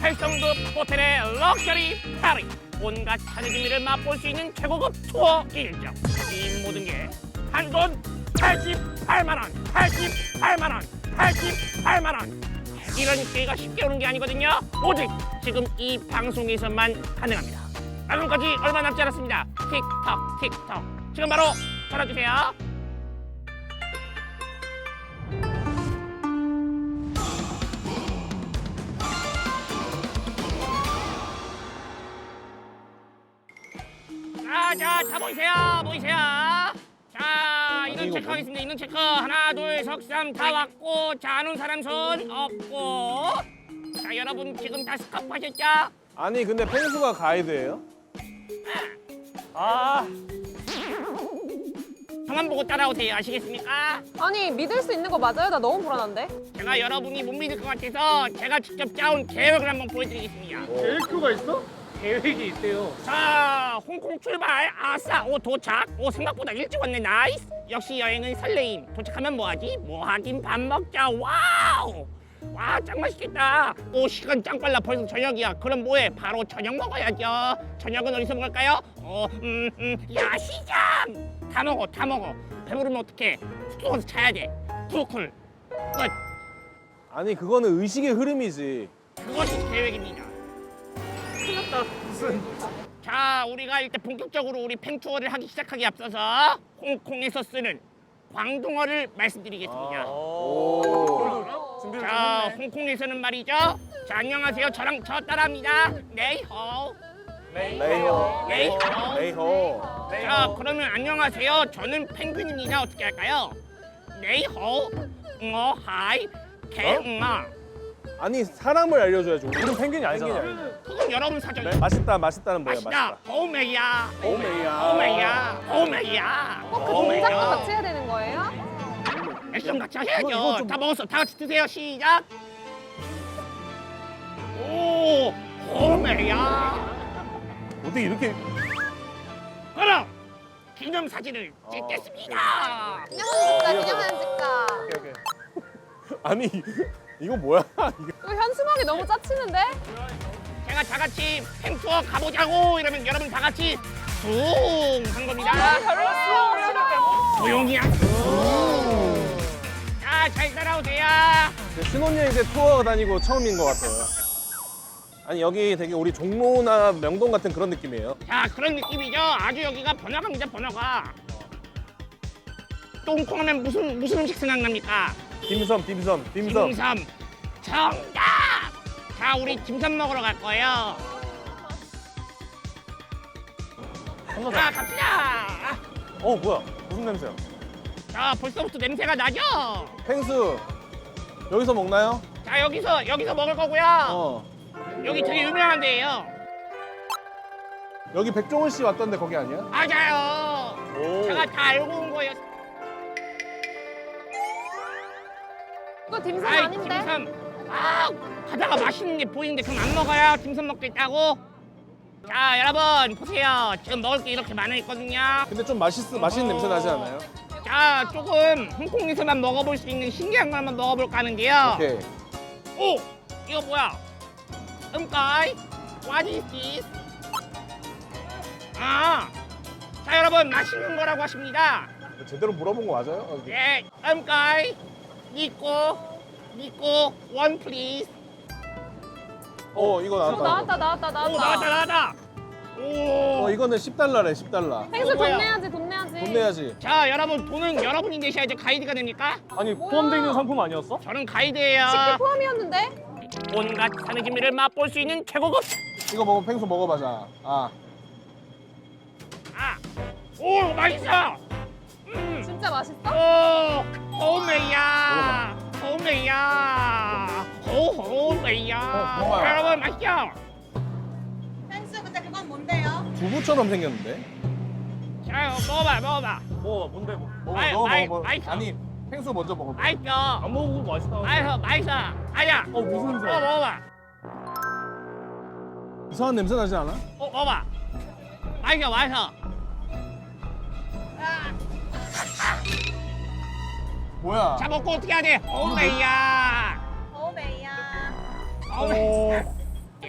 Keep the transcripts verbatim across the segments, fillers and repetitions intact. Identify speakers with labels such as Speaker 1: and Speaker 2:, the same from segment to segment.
Speaker 1: 팔성급 호텔의 럭셔리 파리. 온갖 산의 재미를 맛볼 수 있는 최고급 투어 일정. 이 모든 게 한돈 팔십팔만 원, 팔십팔만 원, 팔십팔만 원. 이런 기회가 쉽게 오는 게 아니거든요. 오직 지금 이 방송에서만 가능합니다. 방금까지 얼마 남지 않았습니다. 틱톡 틱톡. 지금 바로 전화 주세요. 자, 자, 다 모이세요, 모이세요. 자, 인원 체크하겠습니다. 인원 체크. 하나, 둘, 석삼 다 왔고, 자, 아는 사람 손 없고. 자, 여러분 지금 다 스카프 하셨죠?
Speaker 2: 아니 근데 펭수가 가이드예요? 아
Speaker 1: 성함 보고 따라오세요. 아시겠습니까?
Speaker 3: 아니 믿을 수 있는 거 맞아요? 나 너무 불안한데?
Speaker 1: 제가 여러분이 못 믿을 것 같아서 제가 직접 짜온 계획을 한번 보여드리겠습니다.
Speaker 4: 계획표가 있어? 계획이 있대요.
Speaker 1: 자, 홍콩 출발. 아싸, 오 도착. 오 생각보다 일찍 왔네. 나이스. 역시 여행은 설레임. 도착하면 뭐하지? 뭐하긴 밥 먹자. 와우. 와, 짱 맛있겠다. 오, 시간 짱 빨라. 벌써 저녁이야. 그럼 뭐해? 바로 저녁 먹어야죠. 저녁은 어디서 먹을까요? 어, 음, 음, 야시장. 다 먹어, 다 먹어. 배부르면 어떡해? 숙소 가서 자야 돼. 쿨쿨. 끝.
Speaker 2: 아니 그거는 의식의 흐름이지.
Speaker 1: 그것이 계획입니다.
Speaker 4: 큰일났다. 무슨.
Speaker 1: 자, 우리가 일단 본격적으로 우리 팽투어를 하기 시작하기 앞서서 홍콩에서 쓰는 광둥어를 말씀드리겠습니다.
Speaker 2: 오.
Speaker 4: 준비를
Speaker 1: 자,
Speaker 4: 좀 했네.
Speaker 1: 홍콩에서는 말이죠. 자, 안녕하세요. 저랑 저 따라합니다. 네이호.
Speaker 2: 레이호.
Speaker 1: 네이호.
Speaker 2: 레이호.
Speaker 1: 자, 그러면 안녕하세요. 저는 펭귄입니다. 어떻게 할까요? 네이호. 응어 하이. 개응아.
Speaker 2: 아니 사람을 알려줘야지. 우리는 펭귄이 아니잖아.
Speaker 1: 그건 여러분 사정.
Speaker 2: 네? 맛있다 맛있다는 뭐야
Speaker 1: 맛있다.
Speaker 2: 맛있다.
Speaker 1: 오메야.
Speaker 2: 오메야.
Speaker 1: 오메야. 오메야.
Speaker 3: 꼭 그 동작도 같이 해야 되는 거예요?
Speaker 1: 액션 같이
Speaker 2: 이거
Speaker 1: 해야죠.
Speaker 2: 좀-
Speaker 1: 다 먹었어. 다 같이 드세요. 시작. 오, 오메야.
Speaker 2: 어떻게 이렇게
Speaker 1: 그럼 기념 사진을 찍겠습니다.
Speaker 3: 기념사진 찍자 기념사진 찍자.
Speaker 2: 오케이, 오케이. 아니 이거 뭐야? 이게
Speaker 3: 이거 현수막이 너무 짜치는데?
Speaker 1: 제가 다 같이 팽투어 가보자고 이러면 여러분 다 같이 숭한 겁니다.
Speaker 3: 아, 별로예요. 싫어요.
Speaker 1: 조용히야. 자, 잘 따라오세요.
Speaker 2: 신혼여행 때 투어 다니고 처음인 것 같아요. 아니 여기 되게 우리 종로나 명동 같은 그런 느낌이에요.
Speaker 1: 자, 그런 느낌이죠. 아주 여기가 번화가입니다. 번화가. 똥콩하면 무슨 무슨 음식 생각납니까?
Speaker 2: 딤섬 딤섬 딤섬.
Speaker 1: dim섬. 정답. 자, 우리 dim섬 먹으러 갈 거예요. 자, 갑시다.
Speaker 2: 어 뭐야? 무슨 냄새야?
Speaker 1: 자, 벌써부터 냄새가 나죠?
Speaker 2: 펭수 여기서 먹나요?
Speaker 1: 자, 여기서 여기서 먹을 거고요.
Speaker 2: 어.
Speaker 1: 여기 되게 유명한 데예요.
Speaker 2: 여기 백종원 씨 왔던데 거기 아니야?
Speaker 1: 맞아요.
Speaker 2: 오.
Speaker 1: 제가 다 알고 온 거예요.
Speaker 3: 이거 딤섬
Speaker 1: 아이,
Speaker 3: 아닌데?
Speaker 1: dim섬. 아, 가다가 맛있는 게 보이는데 그럼 안 먹어요? dim섬 먹겠다고? 자, 여러분 보세요. 지금 먹을 게 이렇게 많아 있거든요.
Speaker 2: 근데 좀 맛있 맛있는 냄새 나지 않아요?
Speaker 1: 자, 조금 홍콩에서만 먹어볼 수 있는 신기한 걸 한번 먹어볼까 하는데요.
Speaker 2: 오케이.
Speaker 1: 오! 이거 뭐야? 음까이? What is this? 아! 자, 여러분 맛있는 거라고 하십니다.
Speaker 2: 제대로 물어본 거 맞아요? 어,
Speaker 1: 네, 음까이? 니꼬? 니꼬? 원 플리즈?
Speaker 2: 어 이거
Speaker 3: 어,
Speaker 2: 나왔다.
Speaker 3: 나왔다 나왔다 나왔다.
Speaker 1: 오, 나왔다, 나왔다! 오!
Speaker 2: 어 이거는 십 달러래 십 달러.
Speaker 3: 펭수
Speaker 1: 뭐야?
Speaker 3: 돈 내야지 돈 내야지.
Speaker 2: 돈 내야지.
Speaker 1: 자, 여러분 돈은 여러분이 내셔야죠. 가이드가 됩니까?
Speaker 4: 아니
Speaker 3: 뭐야?
Speaker 4: 포함되어 있는 상품 아니었어?
Speaker 1: 저는 가이드예요.
Speaker 3: 식비 포함이었는데?
Speaker 1: 온갖 산의 진미를 맛볼 수 있는 최고급.
Speaker 2: 이거 먹어 펭수 먹어봐 자. 아.
Speaker 1: 아, 오, 맛있어. 음,
Speaker 3: 진짜 맛있어?
Speaker 1: 오, 호메야, 호메야, 호호메야.
Speaker 2: 어, 먹어요.
Speaker 1: 여러분 맛있죠?
Speaker 5: 펜스 근데 그건 뭔데요?
Speaker 2: 두부처럼 생겼는데?
Speaker 1: 자, 먹어봐, 먹어봐.
Speaker 4: 뭐 뭔데 뭐?
Speaker 2: 먹어
Speaker 1: 아이,
Speaker 2: 먹어
Speaker 1: 아이,
Speaker 2: 먹어.
Speaker 1: 맛있어.
Speaker 2: 아니 펭수 먼저 먹어.
Speaker 1: 맛있어.
Speaker 4: 안 먹어보고 맛있다.
Speaker 1: 맛있어, 맛있어. 아야,
Speaker 4: 어 무슨
Speaker 1: 어,
Speaker 4: 냄새?
Speaker 1: 먹어봐.
Speaker 2: 이상한 냄새 나지 않아?
Speaker 1: 어, 먹어봐. 맛있어, 맛있어.
Speaker 2: 뭐야?
Speaker 1: 자, 먹고 어떻게 해야 돼? 호메야.
Speaker 5: 오메야.
Speaker 1: 호메.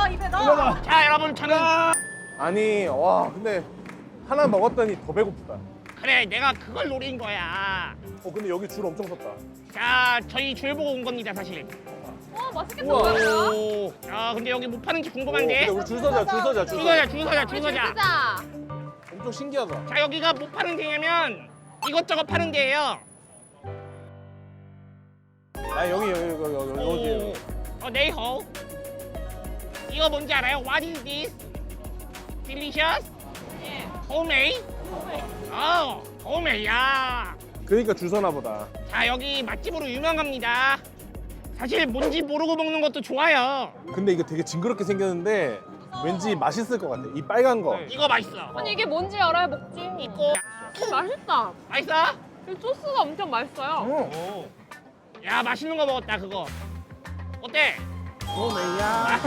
Speaker 5: 넣어 입에 넣어.
Speaker 1: 자, 여러분 저는
Speaker 2: 아니 와 근데 하나 먹었더니 더 배고프다.
Speaker 1: 그래 내가 그걸 노린 거야.
Speaker 2: 어 근데 여기 줄 엄청 섰다.
Speaker 1: 자, 저희 줄 보고 온 겁니다, 사실.
Speaker 3: 어 맛있겠다.
Speaker 2: 우와.
Speaker 3: 뭐야?
Speaker 1: 오. 야, 근데 여기 못 파는지
Speaker 2: 오,
Speaker 1: 궁금한데.
Speaker 2: 근데 우리 줄 서자 줄 서자 줄
Speaker 1: 줄
Speaker 2: 서자.
Speaker 1: 서자, 줄 서자, 줄 서자.
Speaker 3: 진짜.
Speaker 2: 엄청 신기하다.
Speaker 1: 자, 여기가 뭐 파는 데냐면 이것저것 파는 데예요.
Speaker 2: 아 여기 여기 여기 여기 여기 여기.
Speaker 1: 어, 네이호. 이거 뭔지 알아요? What is this? Delicious?
Speaker 3: 예.
Speaker 1: homemade? 어, homemade야.
Speaker 2: 그러니까 줄 서나 보다.
Speaker 1: 자, 여기 맛집으로 유명합니다. 사실 뭔지 모르고 먹는 것도 좋아요.
Speaker 2: 근데 이거 되게 징그럽게 생겼는데 왠지 맛있을 것 같아. 이 빨간 거.
Speaker 4: 네.
Speaker 1: 이거 맛있어.
Speaker 3: 아니 이게 뭔지 알아야 먹지.
Speaker 1: 이거
Speaker 3: 음, 맛있다.
Speaker 1: 맛있어?
Speaker 3: 이 소스가 엄청 맛있어요.
Speaker 2: 어.
Speaker 1: 야, 맛있는 거 먹었다 그거. 어때?
Speaker 2: 오메야.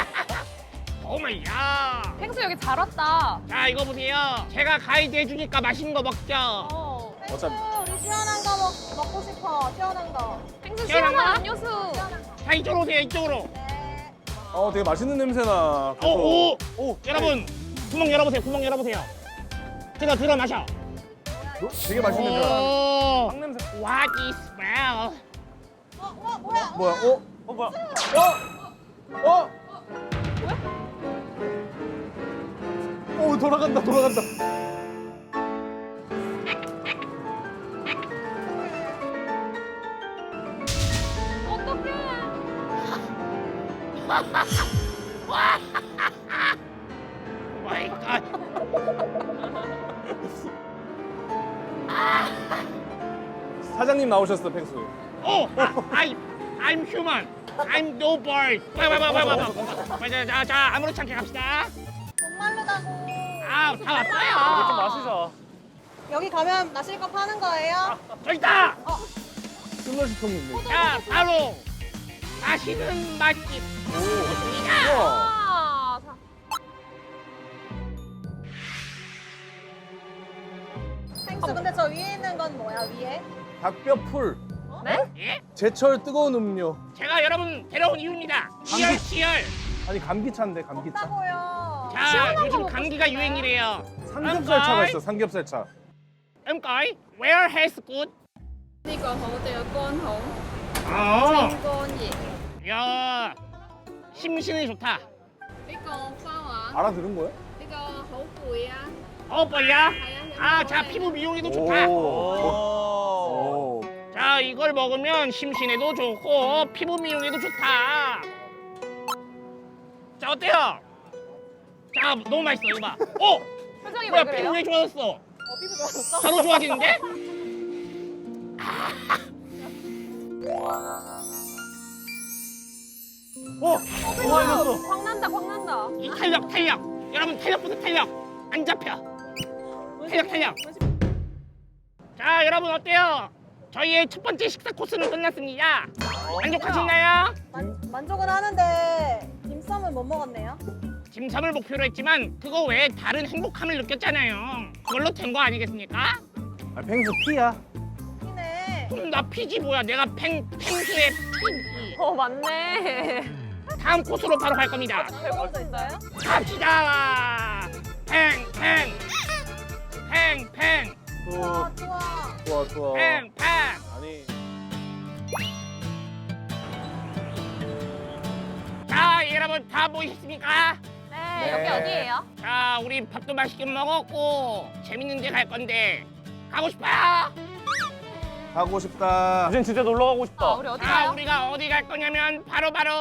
Speaker 1: 오마이야.
Speaker 3: 펭수 여기 잘 왔다.
Speaker 1: 자, 이거 보세요. 제가 가이드 해주니까 맛있는 거 먹죠.
Speaker 3: 어.
Speaker 2: 어차피
Speaker 5: 우리 시원한 거 먹, 먹고 싶어. 시원한 거.
Speaker 3: 펭수
Speaker 1: 시원한
Speaker 3: 시원한
Speaker 1: 거?
Speaker 3: 음료수.
Speaker 1: 자, 이쪽으로 오세요. 이쪽으로.
Speaker 5: 네.
Speaker 2: 어 되게 맛있는 냄새나.
Speaker 1: 오, 오.
Speaker 2: 오
Speaker 1: 여러분, 구멍 열어보세요. 구멍 열어보세요. 들어, 들어 마셔.
Speaker 2: 어, 되게 맛있는 냄새.
Speaker 1: 오.
Speaker 2: 빵 냄새.
Speaker 1: What is smell?
Speaker 5: 어, 어 뭐야?
Speaker 2: 뭐야? 어?
Speaker 4: 어 뭐야?
Speaker 2: 어? 어? 오 돌아간다 돌아간다.
Speaker 3: 어떡해.
Speaker 1: 마이 갓.
Speaker 2: 사장님 나오셨어 펭수.
Speaker 1: 오, I, I'm human. I'm no bird. 봐봐봐봐봐. 자, 자, 자, 아무렇지 않게 갑시다.
Speaker 5: 목마르다고.
Speaker 1: 아, 다
Speaker 4: 좀
Speaker 1: 왔어요.
Speaker 4: 마시자.
Speaker 5: 여기 가면 마실 거 파는 거예요?
Speaker 1: 저기 있다.
Speaker 2: 슬러시 통이 있네.
Speaker 1: 자, 바로 맛있는 맛집.
Speaker 2: 오. 우와.
Speaker 3: 아, 자.
Speaker 5: 펭수 근데 저 위에 있는 건 뭐야 위에?
Speaker 2: 닭뼈풀.
Speaker 1: 예?
Speaker 2: 제철 뜨거운 음료.
Speaker 1: 제가 여러분 데려온 이유입니다. 치열, 치열.
Speaker 2: 아니 감기차인데 감기차.
Speaker 5: 없다고요.
Speaker 1: 자,
Speaker 3: 시원한 거
Speaker 1: 요즘
Speaker 3: 먹고
Speaker 1: 감기가
Speaker 3: 싶은데.
Speaker 1: 유행이래요.
Speaker 2: 삼겹살 차가 있어 삼겹살 차.
Speaker 1: 음거이, where has good?
Speaker 6: 呢個好對乾好，
Speaker 1: 어,
Speaker 6: 清乾熱。
Speaker 1: 야, 심신이 좋다.
Speaker 6: 呢個花環，
Speaker 2: 알아들은 거야?
Speaker 6: 呢個好攰啊，
Speaker 1: 어, 뭐야?
Speaker 6: 係啊。
Speaker 1: 아, 자, 피부 미용에도 좋다.
Speaker 2: 오.
Speaker 4: 오.
Speaker 2: 오.
Speaker 1: 자, 이걸 먹으면 심신에도 좋고 피부 미용에도 좋다. 자, 어때요? 자, 너무 맛있어. 이거 봐. 어,
Speaker 3: 표정이
Speaker 1: 뭐야?
Speaker 3: 왜
Speaker 1: 피부
Speaker 3: 그래요?
Speaker 1: 왜 좋아졌어?
Speaker 3: 어, 피부 좋아졌어?
Speaker 1: 바로 좋아지는데?
Speaker 2: 어.
Speaker 3: 어, 광 난다, 광 난다.
Speaker 1: 이 탄력, 탄력. 여러분 탄력부터 탄력. 안 잡혀. 탄력, 탄력. 자, 여러분 어때요? 저희의 첫 번째 식사 코스는 끝났습니다. 만족하시나요?
Speaker 5: 만, 만족은 하는데 딤섬은 못 먹었네요.
Speaker 1: dim섬을 목표로 했지만 그거 외에 다른 행복함을 느꼈잖아요. 그걸로 된 거 아니겠습니까?
Speaker 2: 아 펭수 피야.
Speaker 5: 피네.
Speaker 1: 그럼 나 피지 뭐야? 내가 팽, 팽수의 피지.
Speaker 3: 어, 맞네.
Speaker 1: 다음 코스로 바로 갈 겁니다.
Speaker 3: 배고픈데요?
Speaker 1: 갑시다. 팽, 팽. 팽, 팽.
Speaker 5: 좋아
Speaker 2: 또
Speaker 5: 좋아.
Speaker 2: 좋아 좋아.
Speaker 1: 팽, 팽.
Speaker 2: 아니
Speaker 1: 자, 여러분 다 모이셨습니까?
Speaker 3: 네, 여기
Speaker 2: 네.
Speaker 3: 어디예요?
Speaker 1: 자, 우리 밥도 맛있게 먹었고 재밌는 데 갈 건데 가고 싶어요?
Speaker 2: 가고 싶다.
Speaker 4: 이젠 진짜 놀러 가고 싶다.
Speaker 3: 아, 우리 어디
Speaker 1: 자,
Speaker 3: 가요?
Speaker 1: 우리가 어디 갈 거냐면 바로 바로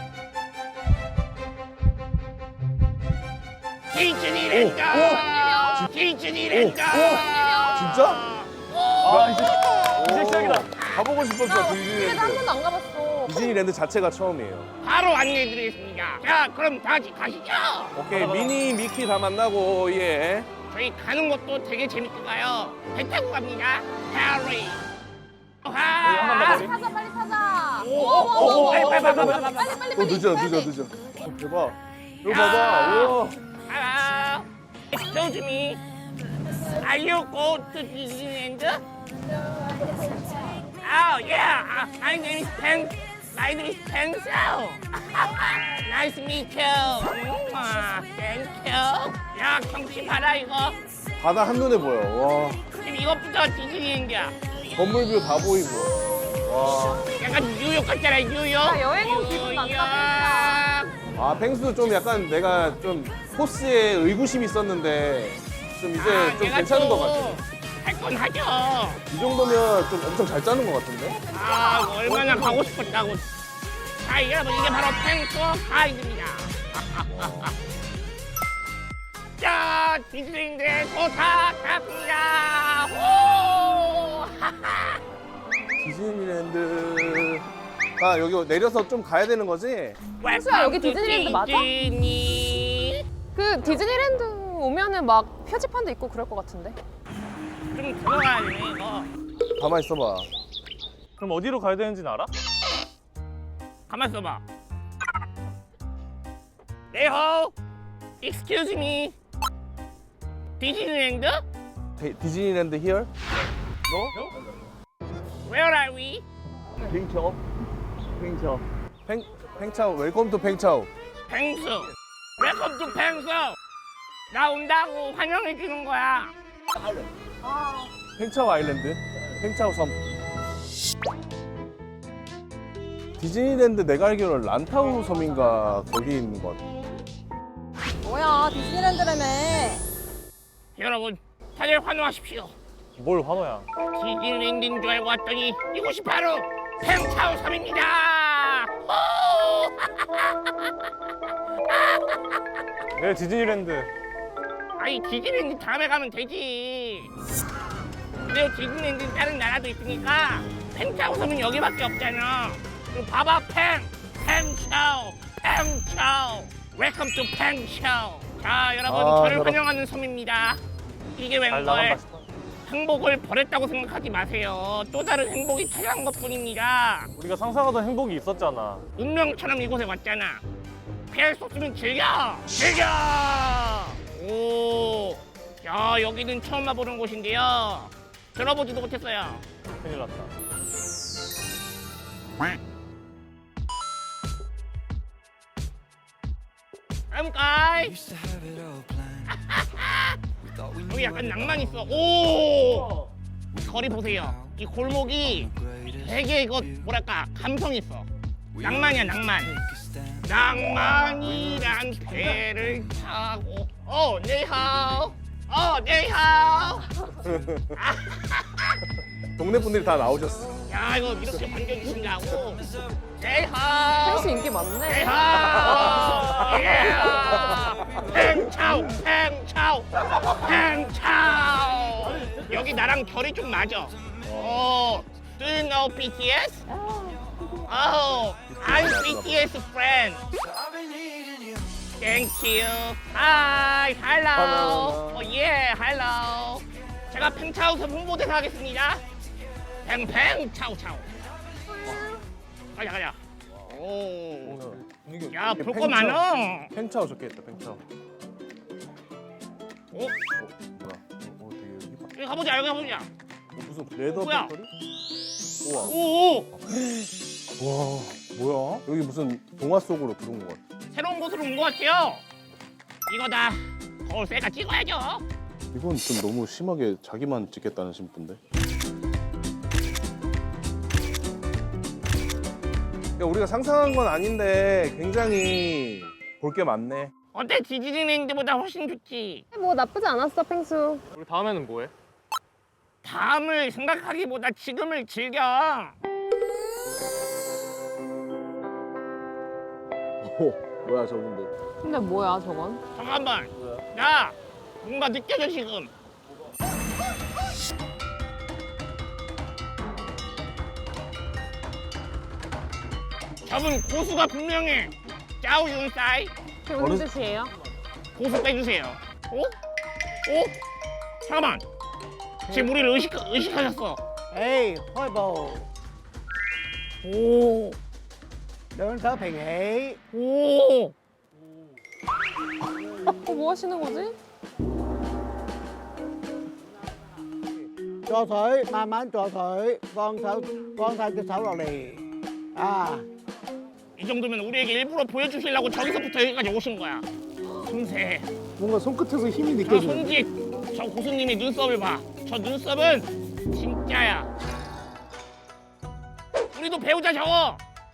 Speaker 1: 디즈니랜드. 디즈니랜드.
Speaker 2: 진짜?
Speaker 4: 아, 이제 이제 시작이다.
Speaker 2: 가보고 싶었어
Speaker 3: 집에도 한
Speaker 2: 디즈니랜드.
Speaker 3: 번도 안 가봤어.
Speaker 2: 디즈니랜드 자체가 처음이에요.
Speaker 1: 바로 안내해드리겠습니다. 자, 그럼 다 같이 가시죠.
Speaker 2: 오케이 미니 미키 다 만나고 예.
Speaker 1: 저희 가는 것도 되게 재밌게 가요. 배 타고 갑니다. 해리.
Speaker 4: 한번 더
Speaker 1: 아,
Speaker 4: 머리.
Speaker 3: 타자, 빨리 타자.
Speaker 1: 오, 오, 오, 빨리, 빨리, 빨리, 빨리, 빨리.
Speaker 3: 빨리, 빨리,
Speaker 2: 어
Speaker 3: 빨리.
Speaker 2: 늦어 늦어 늦어. 어, 대박. 이거 봐봐. 우와.
Speaker 1: Hello. Excuse me. Are you go to Disneyland? Oh yeah. Uh, my name is Pen. My name is Pencil. Nice to meet you. 우와, thank you. 야, 경치 봐라 이거.
Speaker 2: 바다 한눈에 보여. 와,
Speaker 1: 지금 이것부터 디즈니랜드야.
Speaker 2: 건물뷰 다 보이고. 와.
Speaker 1: 약간 뉴욕 같잖아, 뉴욕.
Speaker 3: 아, 여행 온 기분 난다,
Speaker 1: 뉴욕.
Speaker 2: 아, 펭수 좀 약간 내가 좀 코스에 의구심이 있었는데 좀 이제
Speaker 1: 아,
Speaker 2: 좀
Speaker 1: 내가
Speaker 2: 괜찮은
Speaker 1: 또
Speaker 2: 것 같아.
Speaker 1: 할 건 하죠.
Speaker 2: 이 정도면 좀 엄청 잘 짜는 것 같은데?
Speaker 1: 아, 얼마나 가고 싶었다고. 자, 여러분, 이게 바로 펭수 가이드입니다. 자, 디즈니랜드에 도착했습니다. 오!
Speaker 2: 디즈니랜드. 아, 여기 내려서 좀 가야 되는 거지?
Speaker 3: 펭수야, 여기 디즈니랜드 맞아?
Speaker 1: 디즈니.
Speaker 3: 그 디즈니랜드 오면은 막 표지판도 있고 그럴 것 같은데.
Speaker 1: 좀 들어가야 되네, 이거.
Speaker 2: 가만 있어봐.
Speaker 4: 그럼 어디로 가야 되는지는 알아?
Speaker 1: 가만 있어봐. 네호. Excuse me. 디즈니랜드?
Speaker 2: 디- 디즈니랜드 here?
Speaker 1: Where are we?
Speaker 4: 빙처. 빙처.
Speaker 2: 팽, 팽차오, 웰컴 투 팽차오.
Speaker 1: 펭수. 웰컴 투 펭수. 나 온다고 환영해 주는 거야.
Speaker 2: 팽차오 아일랜드. 팽차오 섬. 디즈니랜드 내가 알기로는 란타우 섬인가 거기 있는 것 같아.
Speaker 5: 뭐야, 디즈니랜드라며.
Speaker 1: 여러분, 다들 환호하십시오.
Speaker 4: 뭘 환호야?
Speaker 1: 디즈니랜드인 줄 알고 왔더니 이곳이 바로 팽차오 섬입니다.
Speaker 4: 내 디즈니랜드.
Speaker 1: 아니, 디즈니랜드 다음에 가면 되지. 근데 디즈니랜드는 다른 나라도 있으니까 팽차오 섬은 여기밖에 없잖아. 그럼 봐봐, 팽, 팽차오, 팽차오. 웰컴 투 팽차오. 자, 여러분,
Speaker 2: 아,
Speaker 1: 저를
Speaker 2: 저런.
Speaker 1: 환영하는 섬입니다. 이게
Speaker 4: 잘 나간
Speaker 1: 웬걸?
Speaker 4: 맛있다.
Speaker 1: 행복을 버렸다고 생각하지 마세요. 또 다른 행복이 찾아온 것뿐입니다.
Speaker 4: 우리가 상상하던 행복이 있었잖아.
Speaker 1: 운명처럼 이곳에 왔잖아. 피할 수 없으면 즐겨! 즐겨! 오, 야, 여기는 처음 와보는 곳인데요. 들어보지도 못했어요.
Speaker 4: 큰일 났다.
Speaker 1: 까이 여기 약간 낭만 있어. 오, 거리 보세요. 이 골목이 되게 이거 뭐랄까 감성 있어. 낭만이야, 낭만. 낭만이란 배를 타고. 어, 네하오. 어, 네하오.
Speaker 2: 동네 분들이 다 나오셨어.
Speaker 1: 야, 이거 이렇게 반겨주신다고. 네하오.
Speaker 3: 펭수 인기 많네.
Speaker 1: 네하오. 예. 팽차오, 팽차오, 팽차오. 여기 나랑 결이 좀 맞아. 어, do you know BTS? Oh, I'm BTS friend. Thank you. Hi, hello. Oh yeah, hello. 제가 팽차오 섬 홍보대사 하겠습니다. 팽팽 차오 차오. 가자 가자. 오. 야, 볼 거 많어.
Speaker 2: 팽차오 적혀있다, 팽차오.
Speaker 1: 어?
Speaker 2: 어, 뭐야? 어, 되게 여기 봐.
Speaker 1: 여기 가보자, 여기 가보자.
Speaker 2: 어, 무슨 레더
Speaker 1: 뭐야?
Speaker 2: 배터리? 우와.
Speaker 1: 오,
Speaker 2: 와, 뭐야? 여기 무슨 동화 속으로 들어온 것 같아.
Speaker 1: 새로운 곳으로 온 것 같아요. 이거다. 거울 셀카 찍어야죠.
Speaker 2: 이건 좀 너무 심하게 자기만 찍겠다는 심부인데. 야, 우리가 상상한 건 아닌데 굉장히 볼 게 많네.
Speaker 1: 어때? 디즈니랜드보다 훨씬 좋지.
Speaker 3: 뭐 나쁘지 않았어, 펭수.
Speaker 4: 우리 다음에는 뭐해?
Speaker 1: 다음을 생각하기보다 지금을 즐겨.
Speaker 2: 오, 뭐야 저분들.
Speaker 3: 근데 뭐야, 저건?
Speaker 1: 잠깐만. 야, 뭔가 느껴져 지금. 저분 고수가 분명해. 짜오 윤사이.
Speaker 3: 그게 무슨 뜻이에요?
Speaker 1: 고수 빼주세요. 어? 어? 잠깐만. 지금 우리를 의식, 의식하셨어.
Speaker 7: Ê, thôi bồ,
Speaker 1: 오,
Speaker 7: đừng thở phiền hị.
Speaker 1: 오.
Speaker 3: 어, 뭐 하시는 거지?
Speaker 7: Cho thổi, ma mán cho thổi, con thở, con thở cái thở vào lì. À,
Speaker 1: 이 정도면 우리에게 일부러 보여주시려고 저기서부터 여기까지 오신 거야. 숨새.
Speaker 7: 뭔가 손끝에서 힘이
Speaker 1: 저 손짓. 저 고수님의 눈썹을 봐. 저 눈썹은 진짜야. 우리도 배우자 저거.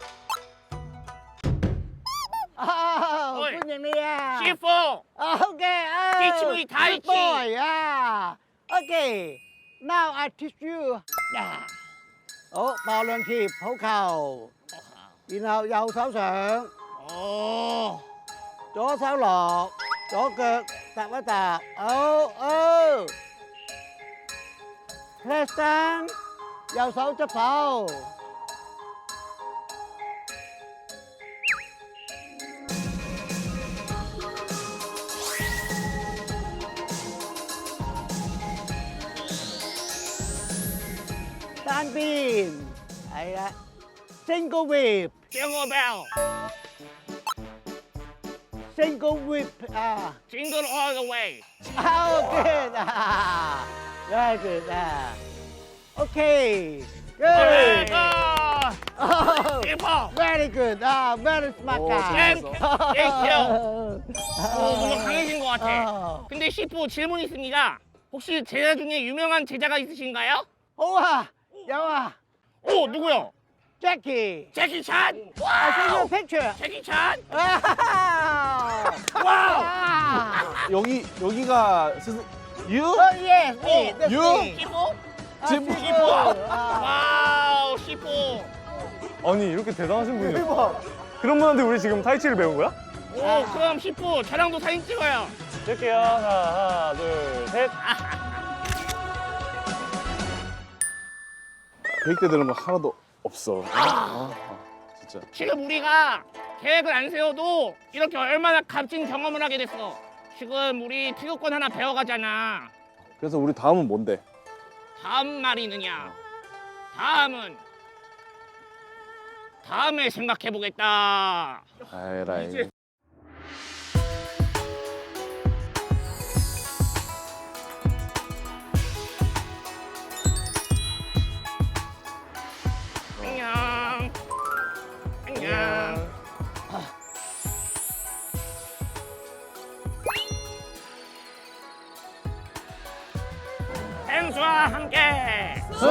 Speaker 7: Oh,
Speaker 1: Ôi.
Speaker 7: good nhận đi à.
Speaker 1: 씨포.
Speaker 7: Oh, okay. Oh,
Speaker 1: Teach me Tai
Speaker 7: good
Speaker 1: Chi.
Speaker 7: boy. Yeah. Okay. Now I teach you. Yeah. Ủa, bò lên kịp, hổ cầu. Đi nào, dầu sáu sượng.
Speaker 1: 어.
Speaker 7: Chỗ sáu lọt. Chỗ cực. Tạp với tạp. Ừ, ừ. Press stand. Dầu sáu chấp phao. Tan pin. Đấy đó. Single whip.
Speaker 1: 징글벨.
Speaker 7: Single whip. À.
Speaker 1: 징글 all the way.
Speaker 7: Oh, good. Ah. Very good. Ah. Okay. Good.
Speaker 1: 아.
Speaker 7: Oh,
Speaker 1: 씨포.
Speaker 7: very good. Ah, very smart
Speaker 2: 오,
Speaker 7: guy.
Speaker 1: 땡큐. 땡큐. 오, 뭔가 강해진 것 같아.
Speaker 7: 어.
Speaker 1: 근데 씨포 질문 있습니다. 혹시 제자 중에 유명한 제자가 있으신가요?
Speaker 7: Wow. Yo,
Speaker 1: 오, 누구요?
Speaker 7: Jackie.
Speaker 1: 제키 찬.
Speaker 7: I see your
Speaker 1: 와우.
Speaker 7: picture.
Speaker 1: 제키 찬.
Speaker 7: Wow.
Speaker 1: 와우.
Speaker 2: 여기 여기가 스승 유?
Speaker 7: Oh, yes, me.
Speaker 1: Oh,
Speaker 7: That's
Speaker 2: you?
Speaker 7: me.
Speaker 1: 씨포.
Speaker 7: Ah,
Speaker 2: 지금
Speaker 7: Sifu. Ah.
Speaker 1: 와우, 씨포.
Speaker 4: 아니 이렇게 대단하신 분이
Speaker 7: 대박.
Speaker 4: 그런 분한테 우리 지금 타이치를 배운 거야?
Speaker 1: 오, 그럼 씨포 저랑도 사진 찍어요.
Speaker 4: 찍을게요. 하나, 하나, 둘, 셋.
Speaker 2: 계획대 되는 거 하나도 없어. 아, 아, 진짜.
Speaker 1: 지금 우리가 계획을 안 세워도 이렇게 얼마나 값진 경험을 하게 됐어. 지금 우리 태극권 하나 배워가잖아.
Speaker 2: 그래서 우리 다음은 뭔데?
Speaker 1: 다음 말이 느냐? 다음은 다음에 생각해보겠다.
Speaker 2: 아이라이.
Speaker 1: 안녕. 안녕. 펭수와 함께.
Speaker 2: 수!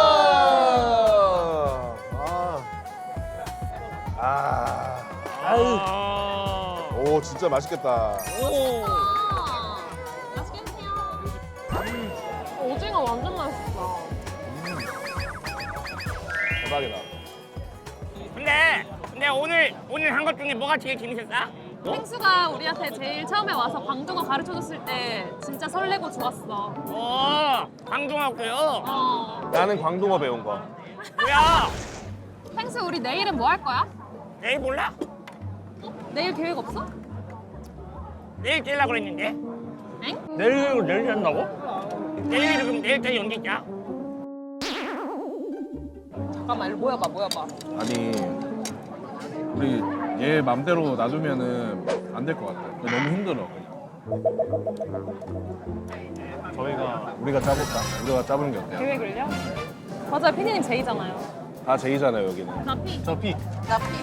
Speaker 2: 아. 아.
Speaker 1: 아.
Speaker 2: 오, 진짜 맛있겠다.
Speaker 1: 오.
Speaker 3: 맛있게 드세요. 오징어 완전 맛있어.
Speaker 2: 대박이다.
Speaker 1: 근데 근데 오늘 오늘 한 것 중에 뭐가 제일 재밌었어?
Speaker 3: 펭수가 우리한테 제일 처음에 와서 광둥어 가르쳐줬을 때 진짜 설레고 좋았어.
Speaker 1: 오, 광둥하고요.
Speaker 3: 어.
Speaker 2: 나는 광둥어 배운 거.
Speaker 1: 뭐야?
Speaker 3: 펭수 우리 내일은 뭐 할 거야?
Speaker 1: 내일 몰라?
Speaker 3: 내일 계획 없어?
Speaker 1: 내일 뛸라 그랬는데.
Speaker 3: 엥?
Speaker 1: 내일 내일 한다고? 내일 그럼 내일까지 언제 짜?
Speaker 3: 잠깐만 일로 모여봐 모여봐.
Speaker 2: 아니, 우리 얘 맘대로 놔두면은 안 될 것 같아. 너무 힘들어.
Speaker 4: 저희가
Speaker 2: 우리가 짜볼까? 우리가 짜보는 게 어때요?
Speaker 3: 계획을요? 맞아요 피디님 제이잖아요.
Speaker 2: 다 제이잖아요, 여기는.
Speaker 3: 나 피.
Speaker 2: 저 피.
Speaker 3: 나 피.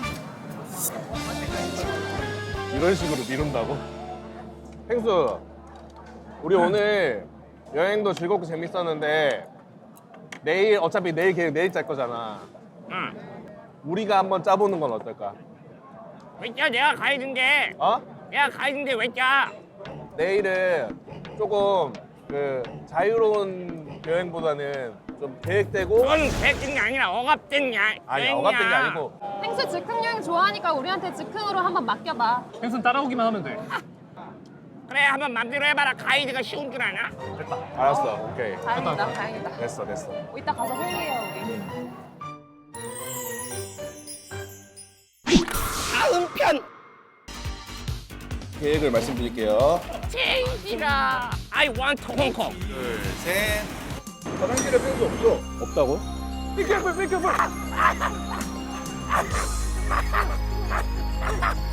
Speaker 2: 이런 식으로 미룬다고? 펭수, 우리 오늘 여행도 즐겁고 재밌었는데 내일 어차피 내일 계획 내일 짤 거잖아.
Speaker 1: 응.
Speaker 2: 우리가 한번 짜보는 건 어떨까?
Speaker 1: 왜 짜? 내가 가이드인데.
Speaker 2: 어?
Speaker 1: 내가 가이드인데 왜 짜?
Speaker 2: 내일은 조금 그 자유로운 여행보다는 좀 계획되고
Speaker 1: 그건 계획된 게 아니라 억압된 야.
Speaker 2: 아니
Speaker 1: 여행이야.
Speaker 2: 억압된 게 아니고
Speaker 3: 펭수 즉흥 여행 좋아하니까 우리한테 즉흥으로 한번 맡겨봐.
Speaker 4: 펭수는 따라오기만 하면 돼.
Speaker 1: 그래 한번 맘대로 해봐라. 가이드가 쉬운 줄 아나?
Speaker 2: 알았어 오케이
Speaker 3: 다행이다 다행이다.
Speaker 2: 됐어 됐어
Speaker 3: 이따 가서 회의해요 우리.
Speaker 1: 다음 편
Speaker 2: 계획을 말씀드릴게요.
Speaker 1: 제이지가 I want Hong Kong.
Speaker 2: 둘셋 화장실에 펭수 없어. 없다고? 삐껴볼 삐껴볼